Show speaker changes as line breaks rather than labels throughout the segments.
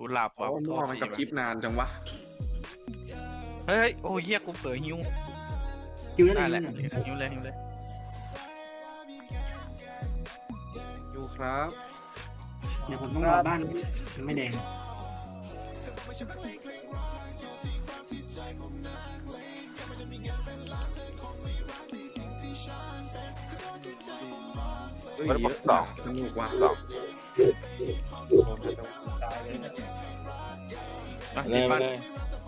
หลับ
โอ้
ว่ะโท
มั่วมันกับ
ษทีว่ะ
คลิปนานจังวะ
เฮ้ยโอ้ยเฮียกูเผลอหิว
คิวได้
ได้
เล
แหละ
ย
หิวเลยหิวเลย
อยู่ครับ
เดี๋ยวผมต้องรอบ้านมันไม่แดง
เอ้ย
มัน
เย
บอก
อะ
สอง
สนุกว่ะ
สอง
อ่ะ
เล
ติด
ย
บ้าน
เลย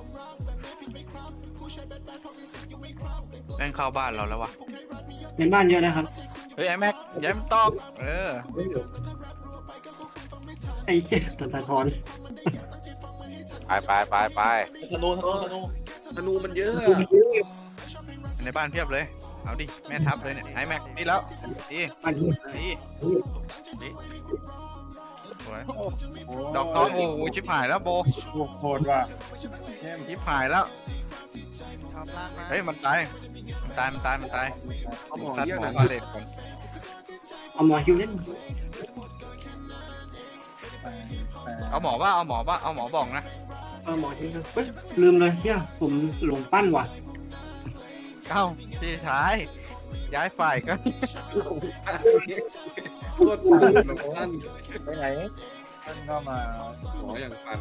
แม่งเข้าบ้านเราแล้ววะ
ในบ้านเยอะนะครับ
เฮ้ยไอ้แม็กย้ำตอก
ไอ้เจ็ดตะท้อน
ไป
ธนูธนูธนู
ธนูมันเยอะ
ในบ้านเพียบเลยเอาดิแม่ทับเลยเนี่ยไอ้แม็กดีแล้วดี
บ้านที่
ดีสวยดอกทองโอ้โหชิบหายแล้วโบ
โหดว่ะ
ชิบหายแล้ว
ชอบล่างมา
เฮ้ยมันตายมันตาย
เอาหมอ
ซัด
เยอะ
หม
ห
อ
น่อย
บาเลตก่อน
เอาหมอคิวเล่น
เอาหมอว่าเอาหมอบอกนะ
เอาหมอคิวเฮ้ยลืมเลยเชี่ยผมหลงปั้นว่ะ
เอ้าพี่ชายย้ายฝ่ายก็
โคตรปั่นแบบสั้น
ไปไหนท่านก็มา
หมออย่างปั่น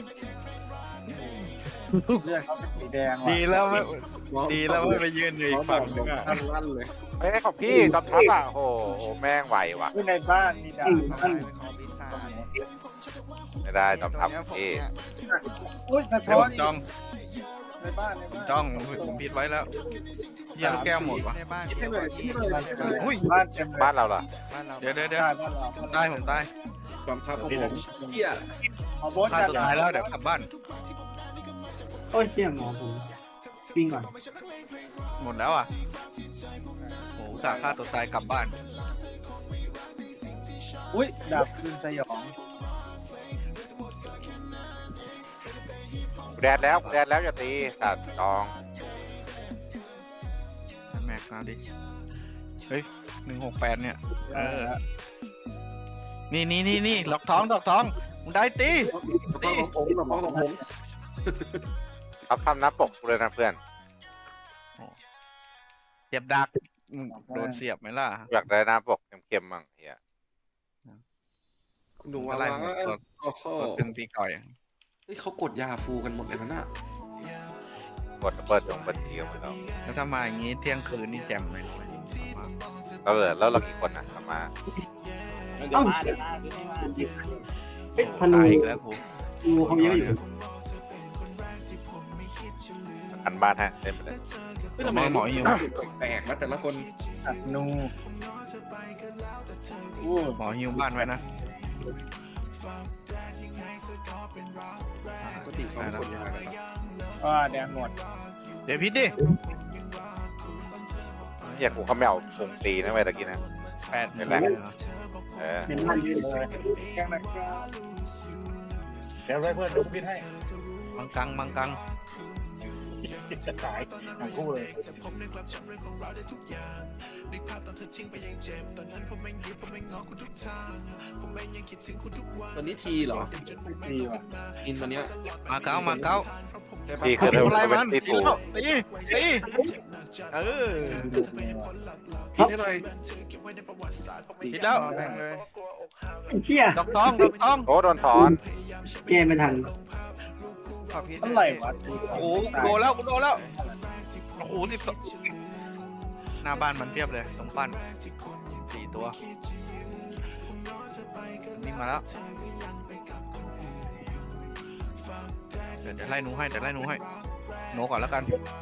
เลือดเขาเป็นสีแดงว่ะ
ดีแล้วไม่
หมอ
ดีแล้วไม่ไปยืนอยู่อีกฝั่งนึงอ่ะ
ท่านลั่นเลย
เฮ้ยของพี่จอมทัพอ่ะโอ้โหแม่งไหวว่ะ
ที่ในบ้านมีดาบ
ตายเป็นของปีศาจ
ไม่ได้จอมทัพ
ตัวเนี้ยผม
พี่
เนี่ย
อุ้ยสะ
เดี๋
ท้
ยว
อน
จ้อง
ในบ้านในบ้าน
จ้องผมผิดไว้แล้วเยี่ยมแก้วหมดวะ
ในบ้าน
คิดให้หน่อยคิดให้หน่อย
ในบ้าน
อุ้ย
บ้านเต็มเลย
บ้านเราเหรอ
บ้านเรา
เดี๋ยว
ได้บ้านเรา
ตายผมตาย
ความทับของผมเหี้ย
เอาโบ๊ท
ฆ่า
กัน
ตัวตายแล้วเดี๋ยวกลับบ้าน
โอ้ยเชี่ยหมอผมวิ่งก่อน
หมดแล้วอ่ะโอ้สาฆ่าตัวตายกลับบ้าน
อุ้ยดาบคืนสยอง
แดดแล้วอย่าตีตัดจอง
แม็กมาดิเฮ้ย168เนี่ยเออนี่ดอกทองมึงได้ตี
ความของผมแบบความของผม
เอาทำหน้าปกเลยนะเพื่อน
เสียบดักโดนเสียบไหมล่ะ
อยากได้หน้าปกเข้มๆมั่งเฮีย
คุณดู
อะ
อะไร ไร
หมดตัว
โอ้โห
ตัวตึงตีก่อย
เฮ้ยเขากดยาฟูกันหมดเลยนะน่ะ
กดเปิดทีกันหมดแล้ว
แล้วถ้ามาอย่างงี้เที่ยงคืนนี่แจ่มเลย
แล้วเรากี่คนนะกลับมา
เดี๋ยวมาเดี๋ยวมาเดี๋ยวมา
เฮ้ยธนู
ตายอีกแล้วกู
ธนูเขาเยอะอยู่
อันบ้านฮะเล่นไปเลย
เฮ้ยทำไม
หมออยู่
แปลกๆนะแต่ละคน
อัดนูอู้
หมอฮิวบ้านไว้นะ
ปกติเขากดยากันครับ
ว่าแดงหมด
เดี๋ยวพิษดิ
เฮียกูเขาไม่เอาพุงตีนะเว้ยตะกี้นะ
8
เป็นไร เออ
ในบ้านเยอะ
เลยแกงนะครับเดี๋ยวไว้เพื่อนดูพิษให้
มังกัง
จะตายทั้งคู่เลย
ตอนนี้ทีเหรอ
ดีว่ะ
อินตอนเนี้ย
มาเก้า
พี่คือ
ทำอะไร
เป็
มัน
นตี
ตี
ถู
แล้วตีเออ
คิดให้หน่อย
ทีแล้ว
รอแม่งเลย
เชี่ย
ดอกทอง
โอ้โดนถอน
แก้ไม่ทัน
ขอพิษ
เท่าไหร่วะ
โอ้โหโดนแล้วโอ้โหหน้าบ้านมันเพียบเลยตรงปั้น4 ตัวนี่มาแล้วเดี๋ยวไล่หนูให้หนูก่อนแล้วกัน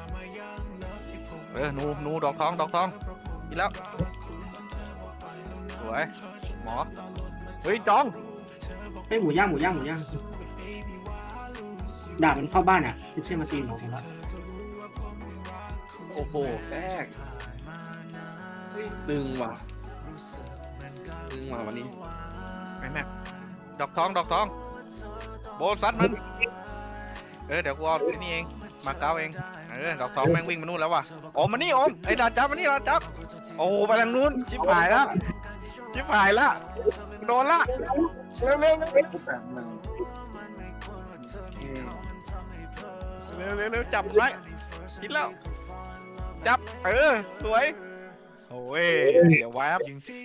หนูดอกทองกินแล้วสวยหมอเฮ้ยจอง
เฮ้ยหมูย่างดาบมันเข้าบ้านอ่ะไม่ใช่มาตีหมอผมละ
โอ้โหแตกเฮ้ยตึงว่ะวันนี้
ไอ้แม่ดอกทองโบซัดมันเดี๋ยวกูเอาที่นี่เองมาเก้าเองดอกทองแม่งวิ่งมานู่นแล้วว่ะโอมมานี่โอมไอ้ดาจับมานี่ดาจับโอ้ไปทางนู้นชิบหายแล้วโดนละเร็ว
ทุกแบบหนึ่ง
เร็วจับไว้คิดแล้วจับสวยโอ้ยเสียแวบ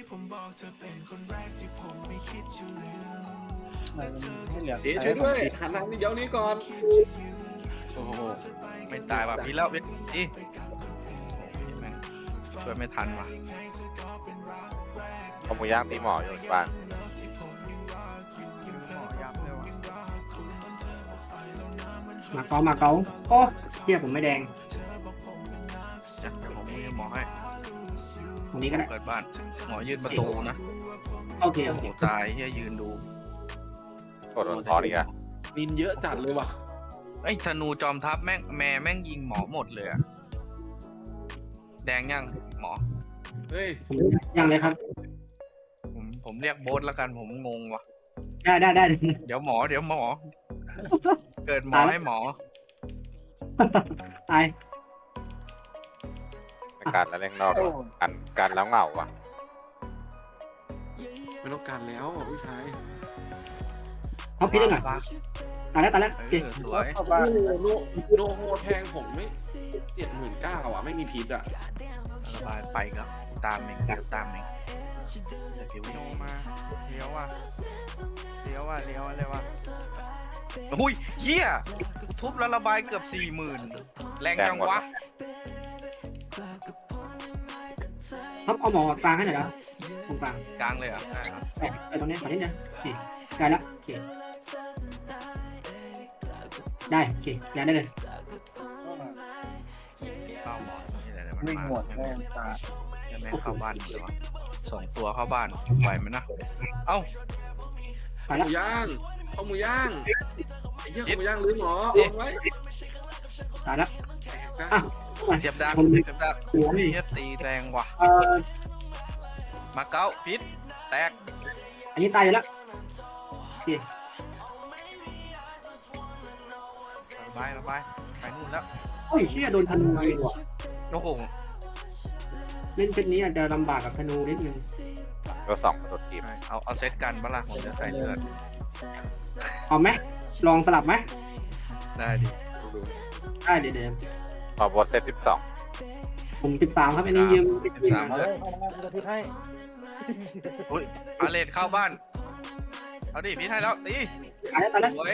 ให้เหลือ
เอ๊ะช่วยด้วยหันหลังนี่เดี๋ยวนี้ก่อนโอ้โห
ไม่ตายว่ะพี่แล้วพี่แม่งช่วยไม่ทันว่ะ
เอาหมูย่างตีหมออยู่ที่บ้าน
หมอยับเลยว่ะ
มาเก๊าโอ้เฮียผมไม่แดง
เดี๋ยวผมมีหมอให้
ตรงนี้ก็ได้
เปิดบ้านหมอยืนประตูนะ
โอเค
โอ้โหตายเฮียยืนดู
กดโดนทอนอีกอะ
นินเยอะจัดเลยว่ะ
ไอ้ธนูจอมทัพแม่งยิงหมอหมดเลยอะแดงยังหมอ
เฮ้ย
ผมยังเลยครับ
ผมเรียกโบ๊ทแล้วกันผมงงว่ะ
ได้
เดี๋ยวหมอ เกิดหมอให้หมอ
ตาย
ในการแล้วเล่นนอกว่ะกันแล้วเหงาว่ะ
ไม่ต้องการแล้วพี่ชาย
เอาพิษได้หน่อยตายแล้วโอเค
สวย
เข้าบ้าน
โนโฮแทงผมไม่79,000อ่ะไม่มีพิษอ่ะ
ระบายไปก็ตามเองเดี๋ยวตามเองเดี๋ยวผิว
โนมาเลี้ยวว่ะเลี้ยวอะไรวะ
อุ้ยเฮียทุบแล้วระบายเกือบ 40,000แรงจังวะ
ครับเอาหมอกลางให้หน่อยนะตรงกลาง
กลางเลยเหรอ่ะได้ครับ
ไปตรงนี้ขอนิดนึงโอเคได้แล้วโอเคได้โอเคย้ายได้เลย
เข้าหมอนี่แหละเดี๋ยวมัน
วิ่ง
มา
หมดแม่งตา
ยังไม่เข้าบ้านเลยวะส่งตัวเข้าบ้านไหวไหมนะเอ้า
ไป
ห
แล้ว
มูย่างข้าวหมูย่างไอ้เหี้ยข้าวหมูย่างหรือหมอ
เอ๊ะ
เอาไว้
ตายแล้ว
จ้ะ
อ่ะ
เสียบดักเฮียตีแรงว่ะ มาเก้าพิษแตก
อันนี้ตายอยู่แล้วโอเค
ระบายไปนู่นแล้ว
โอ้ยเชี่ยโดนธนูยิงว่ะ
โอ้โห
เล่นเซตนี้อาจจะลำบากกับธนูนิดนึง
ก็สองกระโดดทีม
เอาเซตกันบ้าล่ะผมจะใส่เลือด
เอาไหมลองสลับไหม
ได้ดิ
ได้เดี๋ยว
พอบอสเซต
ผม13ครับอันนี้ยืม
13
เอาเลยเข้ามาจะพิษให้
อาเลดเข้าบ้านเอาดิพิษให้แล้วตี
ตายแล้ว
สวย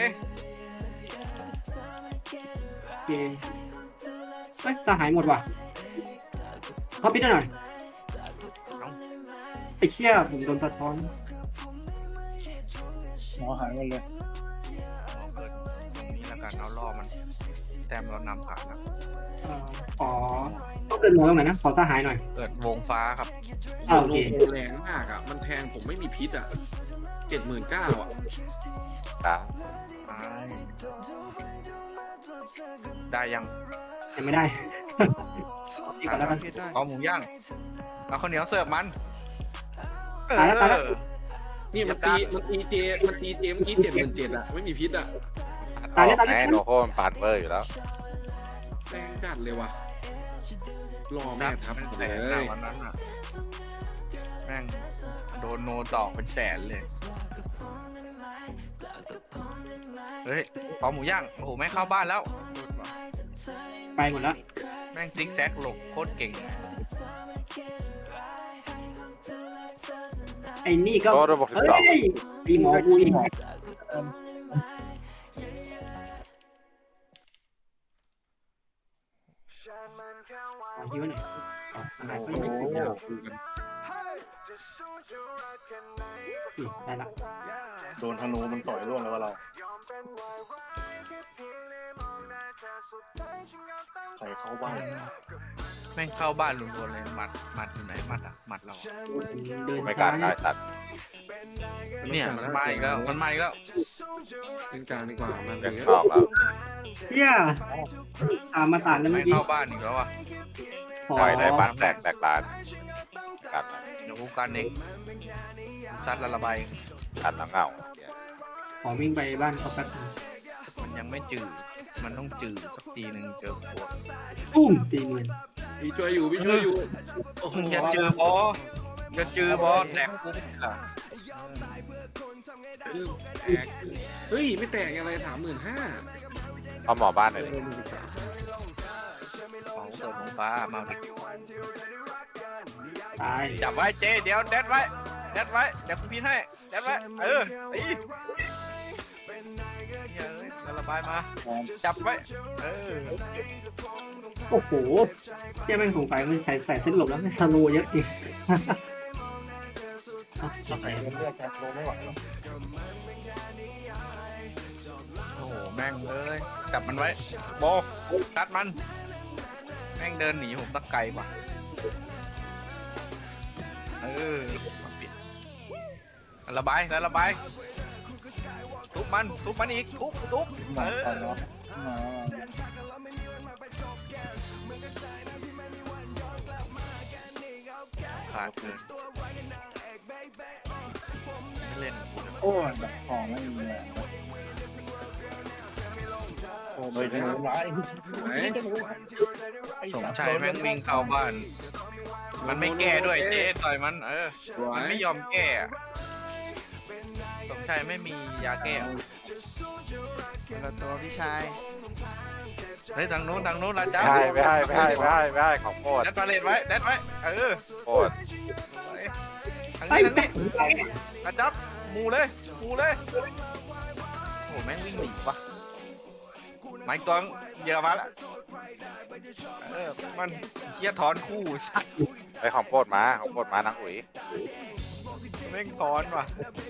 โอเคเฮ้ยสหายหมดว่ะเขาปิดหน่อยไอ้เชี่ยผมโดนสะท้อน
หมอหายหมดเลย
เกิดตรงนี้แล้วกันเอาล่อมันแต้มเรานำผ่านนะ
อ๋อต้องเดินหมอตรงไหนนะขอสหายหน่อย
เกิดวงฟ้าครับ
โอ
โน
เค
โฮแรงมากอ่ะมันแทงผมไม่มีพิษอ่ะ79,000อ่ะ
ตา
ได้ยัง
ยังไม่ได้อีกก่อนแล้วกัน
พิษได้
เอาหมูย่างเอาข้าวเหนียวเสิร์ฟมัน
ตายแล้ว
นี่มันตีเจเมื่อกี้77,000อ่ะไม่มีพิษอ่ะ
ตายแล้ว
แม่โนโคมันปาดเบอร์อยู่แล้ว
แรงจัดเลยว่ะรอ
ซั
แม่
บ
ทับ
เป็น
ผม
แส
เล
นนะ
ย
วันนั้นอ่ะแม่งโดนโนตอกเป็นแสนเลยเฮ้ยเอาหมูย่างโอ้โหแม่งเข้าบ้านแล้ว
ไปหมดแล้ว
แม่งซิกแซกหลบโคตรเก่ง
ไอ้นี่ก็
โดนบวก
เฮ้ยตีหมอกูอีกฮิวหน่อยอาหารก็ยังไม่ถึงได้ละ
โดนธนูมันต่อยร่วงแล้วว่าเราใครเข้าบ้าน
แม่งเข้าบ้านรัวๆเลยหมัดอยู่ไหนหมัดอะหมัดเราอะ
เดิน
ไม่ก
ช้า
ล้าได้สัตว์
เนี่ยมันมาอีกแล้วมันมาอีกแล้ว
เล่นกลางดีกว่ามัน
เล่น
เลย
นอกแล้ว
เฮียมาตัดแล้ว
ไม่
เมื่อกี้
เข้าบ้านอีกแล้วอ่ะ
ปล่อยได้บ้านแตกลานกัน
เดี๋ยวกูกันเองซัดละระบาย
กันแล้วเหงา
ขอวิ่งไปบ้านเขาแป๊บ
มันยังไม่จืดมันต้องจืดสักทีหนึ่งเจอขวด
ตุ้มตีเงิน
พี่ช่วยอยู่โอ้โห
อย่าจือบออย่าจือบอแตกกูไม่ล่ะ
แตก
เฮ้ยไม่แตกอะไร35,000
เอาหมอบ้านหน่อยดิ
ของเกิดของฟ้ามาดิ
ตาย
จับไว้เจเดี๋ยวเด็ดไว้เดี๋ยวกูพินให้เด็ดไว้ตีเฮ้ยแล้วระบายมาจับไว้
โอ้โหเจ้าแม่งสงสัยมันใส่เส้นหลบแล้วไม่ทะลุเยอะจริง
ใส่เลือดกันลงไม่ไหวหรอก
โอ้โหแม่งเลยจับมันไว้โบตัดมันแม่งเดินหนีผมตะไกลว่ะมาปิดระบายแล้วระบายทุบมันอีกทุบ
มาตอนเนาะมา
ขาดเกินไม่เล่นกับกูเลย
โอ้ยแบบของไม่มีเลยโอ้ยจะรู้ไร
ไหน
สมชายแม่งวิ่งเข้าบ้าน มันไม่แก้ด้วยเจ๊ต่อยมันมันไม่ยอมแก้อะสมชายไม่มียาแก้
คนละตัวพี่ชาย
เฮ้ยทางนู้นละจ้า
ไม่ให้ของโคตร
แดดมาเลนไว้
โคตร
ทาง
ไอ้
นี้
แม่ง
ละจับมูเลยโอ้แม่งวิ่งหนีวะไม้กองเยอะมาละมันเคียถอนคู่สัตว์
ไปของโคตรมานางอุ๋ย
แม่งถอนว่ะ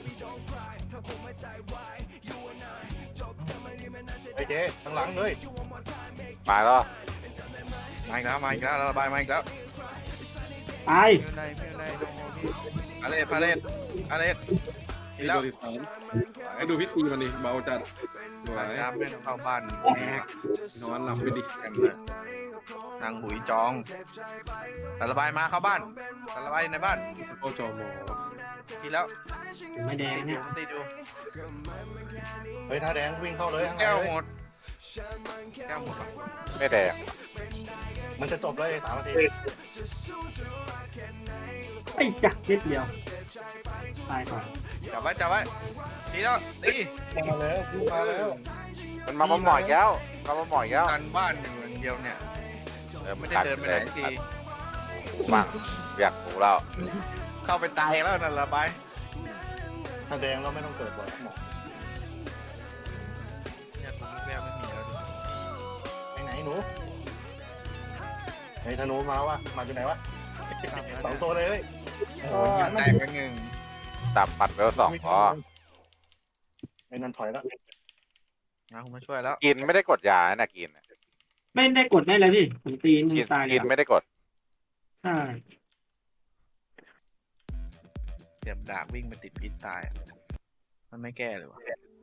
ไอ้เจ๊ข้างหลังเลย
มาแล้ว
มาอีกแล้วระบายมาอีกแล้ว
ตาย
ไม่เป็นไรโดนพี่
พาเลทอีกแล้ว
มาดูพี่ตีมันดิเบาจัดสวย
น้ำไม่เข้าบ้านแม่
นอนหลับไปดิ
กันเลยนางหุยจองระบายมาเข้าบ้านระบายในบ้าน
โอจอมอ
ทีแล้ว
ไม่แดงเนี่ย
ตีดู
เฮ้ยท่าแดงวิ่งเข้าเลยข้างใน
แก้ว
เลย
หมด
ไม่แดง
มันจะจบเลย3 นาที
ไอ้จักนิดเดียวตายก่อน
จับไว้ทีแล้วตี
มาแล้วมาแล้ว
มันมาหมอยแล้ว
กันบ้านอยู่อย่างเดียวเนี่ยไม่ได้เดินไปไหนที
มั่งอยากรู้แล้ว
เข้าไปตายแล้วนั่นระบาย
ท่าแดงเราไม่ต้องเกิดบ่อยหมอ
เนี่ยตรงนี้แววไม่มีแล้ว
ไปไหนหนูไอ้ธนูมาวะมาอยู่ไหนวะ2 ตัวเลยเฮ้ย
โอ้ยยิงแตกไปหนึ่ง
ตับปัดเวล2พอ
ไอ้นั่นถอยแล้ว
นะผมมาช่วยแล้ว
กินไม่ได้กดยานะกิน
ไม่ได้กดได้เลยพี่ผมตีหนึ่งตายเล
กิ
ย
นไม่ได้กด
ใช่
เสียบดาบวิ่งไปติดพิษตายมันไม่แก้เลยวะ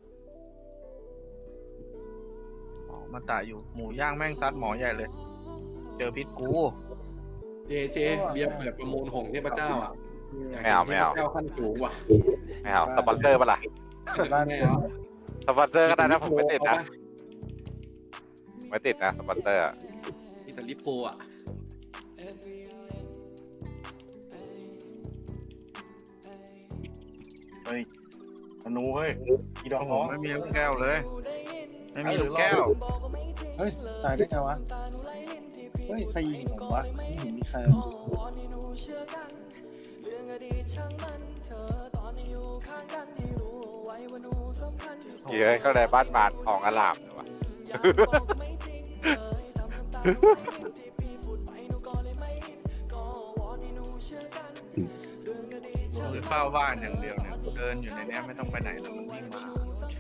มาตายอยู่หมูย่างแม่งซัดหมอใหญ่เลย เจอพิษกู
เจเบียร์แบบประมูลของเทพเจ้าอ่ะ
ไม่เอา
เทพเจ้าขั้นสูงว่ะ
ไม่เอาสปอนเซอร์ปะล่ะ
ไม่เอา
สปอนเซอร์ก็ได้นะผมไม่ติดนะสปอนเซอร์
อิตาลีโปอ่ะ
เฮ้ยธนูเฮ้ยอีดอก
โอ้โห
น้อง
ไม่มีลูกแก้วเลย ไม่มีลูกแก้ว
เฮ้ยตายได้ไงวะเฮ้ยใครยิงผมวะไม่เห็นมีใคร
เยอะเข้าในบ้านบาดทองอลามเลยวะ
คือเฝ้าบ้านอย่างเดียวเนี่ยเดินอยู่ในนี้ไม่ต้องไปไหนแล้วมันวิ่งมา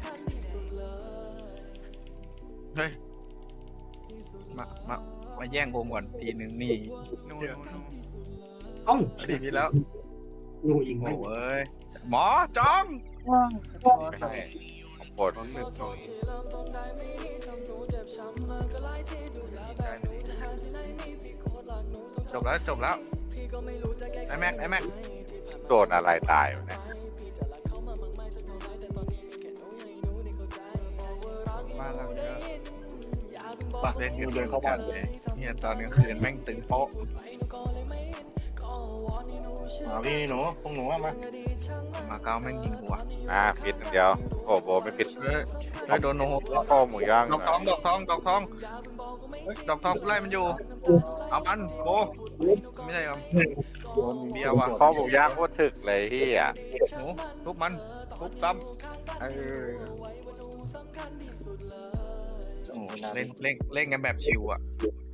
เฮ้ยมาแย่งโกงก่อนทีนึงนี่
นู่น
เอ้า
ตีพี่แล้ว
งูยิง
โอ้
ไม่
เอ้ยหมอจอง
ไม่ให้ของโคตร
จบแล้วไอ้แม็ก
โดนอะไรตายวะเนี่ย
บ้านเราเยอะ
ป่ะ
เล่น
เดินเข้าบ้าน
เลยเนี่ยตอนกลางคืนแม่งตึงโป๊ะ
มาพี่นี่หนูพวกหนูมา
มาเก้าแม่งยิงกูอ่ะ
ปิดอย่างเดียวโอ้โบไม่ปิด
เฮ้ยโดนโนโฮ
โอ้หมูย่าง
ดอกทองดอกทองดอกทองดอกทองกูไล่มันอยู่เอามันโบไม่ใช่ครับ
โดน
เบียร์ว่ะ
ข้อหมูย่างโคตรถึกเลยพี่อ่ะ
หนูทุบมันทุบซ้ำ
โอ้โห
เล่นกันแบบชิวอ่ะ